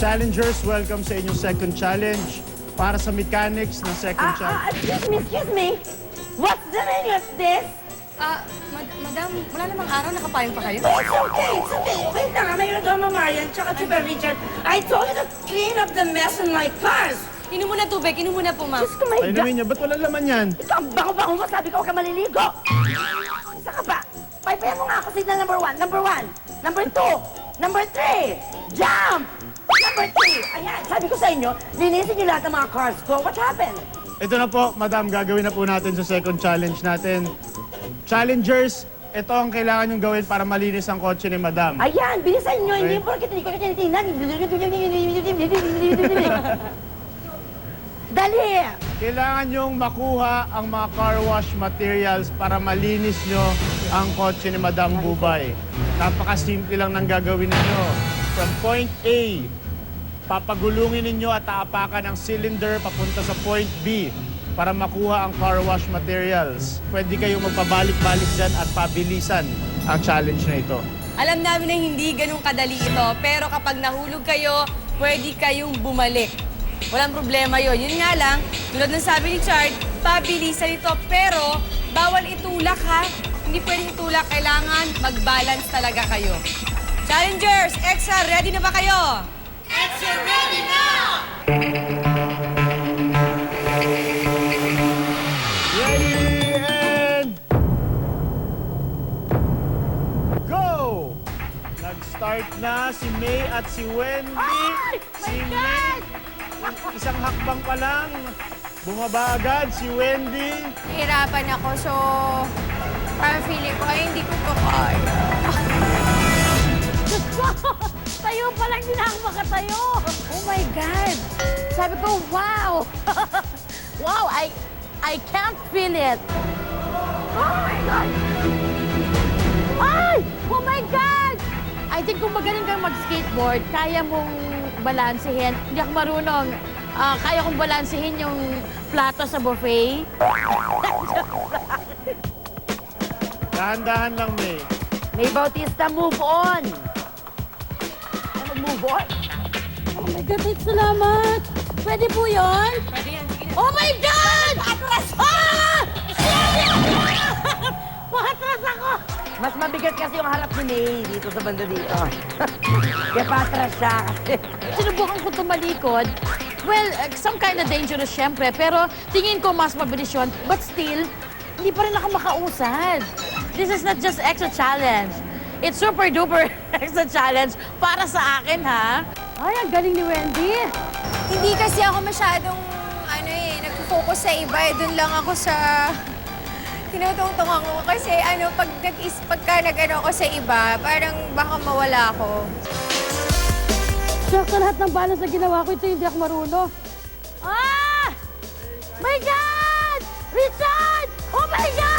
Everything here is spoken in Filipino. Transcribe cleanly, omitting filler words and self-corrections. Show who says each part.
Speaker 1: Challengers, welcome sa inyong second challenge. Para sa mechanics ng second challenge.
Speaker 2: Excuse me. What's the meaning of this?
Speaker 3: Madam, wala namang araw, nakapayong pa kayo?
Speaker 2: It's okay, it's okay. Wait lang, mayroon daw Marian, tsaka si Richard. I told you to clean up the mess in my cars.
Speaker 3: Inom muna tubig, inom muna po, ma'am.
Speaker 2: Diyos ko, my
Speaker 1: Ay,
Speaker 2: God.
Speaker 1: namin niya, ba't wala laman yan?
Speaker 2: Ikaw, ang bango-bango mo, sabi ko, huwag ka maliligo. Isa ka ba? Paypayan mo nga ako, signal number 1, number 1, number 2, number 3, jump! Number 3, ayan, sabi ko sa inyo, linisin niyo lahat ng mga cars ko. What happened?
Speaker 1: Ito na po, madam, gagawin na po natin sa second challenge natin. Challengers, ito ang kailangan nyong gawin para malinis ang kotse ni madam.
Speaker 2: Ayan, bilisan niyo, hindi
Speaker 1: Okay.
Speaker 2: porkit hindi ko na tinitingnan. Dali!
Speaker 1: Kailangan nyong makuha ang mga car wash materials para malinis nyo ang kotse ni Madam Bubay. Napakasimple lang ng gagawin ninyo. From point A, papagulungin ninyo at aapakan ang cylinder papunta sa point B para makuha ang car wash materials. Pwede kayong magpabalik-balik dyan at pabilisan ang challenge na ito.
Speaker 3: Alam namin na hindi ganun kadali ito, pero kapag nahulog kayo, pwede kayong bumalik. Walang problema yon. Yun nga lang, tulad ng sabi ni Chard, pabilisan ito, pero bawal itulak ha. Hindi pwedeng itulak, kailangan mag-balance talaga kayo. Challengers, EXA, ready na ba kayo? EXA, ready now!
Speaker 1: Ready and go! Nag-start na si May at si Wendy.
Speaker 2: Ay!
Speaker 1: Si
Speaker 2: My
Speaker 1: May, isang hakbang pa lang, bumaba agad si Wendy.
Speaker 4: Hirapan ako, so parang feeling ko, ay, hindi ko to kaya.
Speaker 2: Tayo pa lang, hindi na ako makatayo.
Speaker 4: Oh my God! Sabi ko, wow!
Speaker 2: Wow, I can't feel it. Oh my God! Ay! Oh my God!
Speaker 5: I think kung magaling kang mag-skateboard, kaya mong balansehin. Hindi ako marunong. Kaya kong balansehin yung plato sa buffet.
Speaker 1: Dahan-dahan lang, May.
Speaker 2: May Bautista, move on. Move on?
Speaker 5: Oh my God, salamat! Pwede po yun?
Speaker 3: Pwede yan, sige na.
Speaker 5: Oh my God! Atras! Ah! Patras ako!
Speaker 2: Mas mabigat kasi yung harap ni May dito sa banda dito. Kaya patras siya kasi.
Speaker 5: Sinubukan ko tumalikod. Well, some kind of dangerous syempre, pero tingin ko mas mabilis yun. But still, hindi pa rin ako makausad. This is not just extra challenge. It's super duper extra challenge para sa akin, ha? Ay, ang galing ni Wendy.
Speaker 4: Hindi kasi ako masyadong, nag-focus sa iba. Doon lang ako sa... Tinutungtong ako kasi pagka nag-ano ako sa iba, parang baka mawala ako.
Speaker 5: Sa lahat ng balance na ginawa ko, ito hindi ako marunong. Ah! My God! Richard! Oh my God!